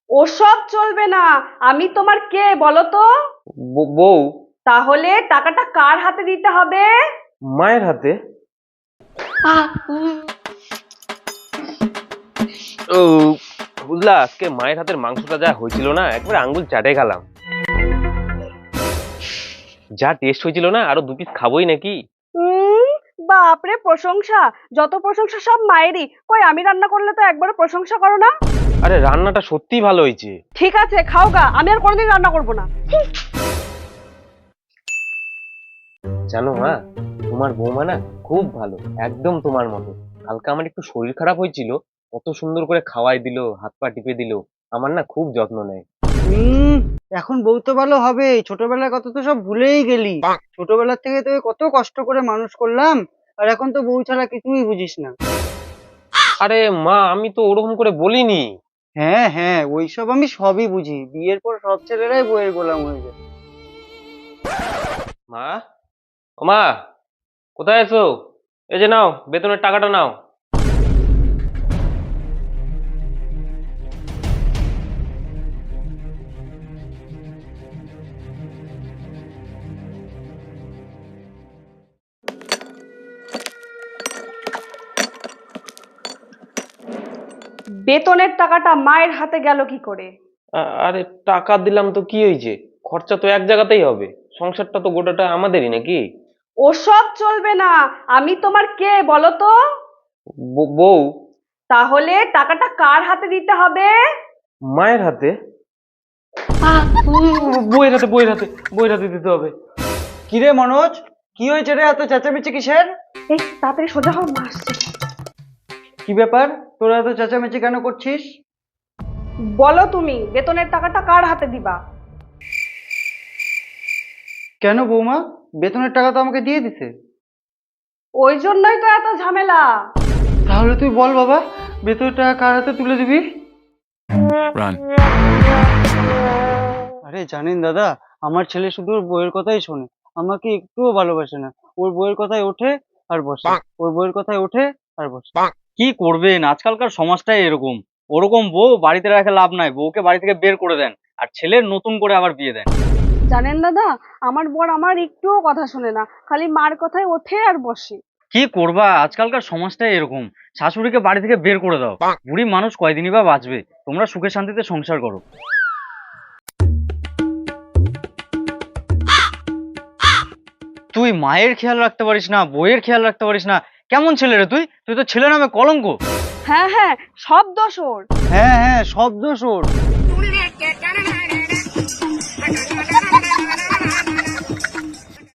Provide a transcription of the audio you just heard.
ওসব চলবে না। আমি তোমার কে বলো তো? বউ। তাহলে টাকাটা কার হাতে দিতে হবে? মায়ের হাতে। ও বুঝলা, আজকে মায়ের হাতের মাংসটা যা হয়েছিল না, একবারে আঙ্গুল চাটে গেলাম। যা টেস্ট হয়েছিল না, আরো 2 পিস খাবোই নাকি। উম, বাপরে প্রশংসা! যত প্রশংসা সব মায়েরই। কই আমি রান্না করলে তো একবারও প্রশংসা করো না। আরে রান্নাটা সত্যিই ভালো হয়েছে। ঠিক আছে খাও গা, আমি আর কোনোদিন রান্না করবো না। জানো মা, তোমার বৌমা না খুব ভালো, একদম তোমার মতো। কালকে আমার একটু শরীর খারাপ হয়েছিল, কত সুন্দর করে খাওয়াই দিল, হাত পা টিপে দিল। আমার না খুব যত্ন নেয়। হুম। এখন বউ তো ভালো হবে, ছোটবেলার কথা তো সব ভুলেই গেলি। ছোটবেলার থেকে তোকে কত কষ্ট করে মানুষ করলাম, আর এখন তো বউ ছাড়া কিছুই বুঝিস না। আরে মা, আমি তো ওরকম করে বলিনি। হ্যাঁ হ্যাঁ, ওইসব আমি সবই বুঝি। বিয়ের পর সব ছেলেরাই বউয়ের গোলাম হয়ে যায়। মা, ও মা, কোথায় আছো? এই যে নাও, বেতনের টাকাটা নাও। বেতনের টাকাটা মায়ের হাতে গেল কি করে? আরে টাকা দিলাম তো কি হয়েছে? খরচা তো এক জায়গাতেই হবে। সংসারটা তো গোটাটা আমাদেরই নাকি। ওসব চলবে না। আমি তোমার কে বলো তো? বউ। তাহলে টাকাটা কার হাতে দিতে হবে? মায়ের হাতে। বইয়ের হাতে, বইয়ের হাতে, বইয়ের হাতে দিতে হবে। কিরে মনোজ, কি হয়েছে রে, এত চেঁচামেচি কিসের? এই তাড়াতাড়ি সোজা হও, মা আসছে। কি ব্যাপার, তোরা এত চেঁচামেচি কেন করছিস? বলো তুমি বেতনের টাকাটা কার হাতে দিবা? কেন বৌমা, বেতনের টাকা তো আমাকে দিয়ে দিছে। ওই জন্যই তো এত ঝামেলা। তাহলে তুই বল বাবা, বেতনের টাকা কার হাতে তুলে দিবি? আরে জানেন দাদা, আমার ছেলে শুধু ওর বইয়ের কথাই শোনে, আমাকে একটুও ভালোবাসে না। ওর বইয়ের কথায় ওঠে আর বসে, ওর বইয়ের কথায় ওঠে আর বসে। কি করবেন, আজকালকার সমাজটাই এরকম। ওরকম বউ বাড়িতে রাখে লাভ নাই, বউকে বাড়ি থেকে বের করে দেন, আর ছেলের নতুন করে আবার বিয়ে দেন। জানেন দাদা, আমার বর আমার একটুও কথা শোনে না, খালি মার কথায় ওঠে আর বসে। কি করবা, আজকালকার সমাজটাই এরকম। শাশুড়িকে বাড়ি থেকে বের করে দাও, বুড়ি মানুষ কয়দিনই বা বাঁচবে। তোমরা সুখে শান্তিতে সংসার করো। তুই মায়ের খেয়াল রাখতে পারিস না, বইয়ের খেয়াল রাখতে পারিস না, কেমন ছেলে রে তুই? তুই তো ছেলে নামে কলঙ্ক। হ্যাঁ হ্যাঁ, সব দোষ ওর। হ্যাঁ হ্যাঁ, সব দোষ ওর।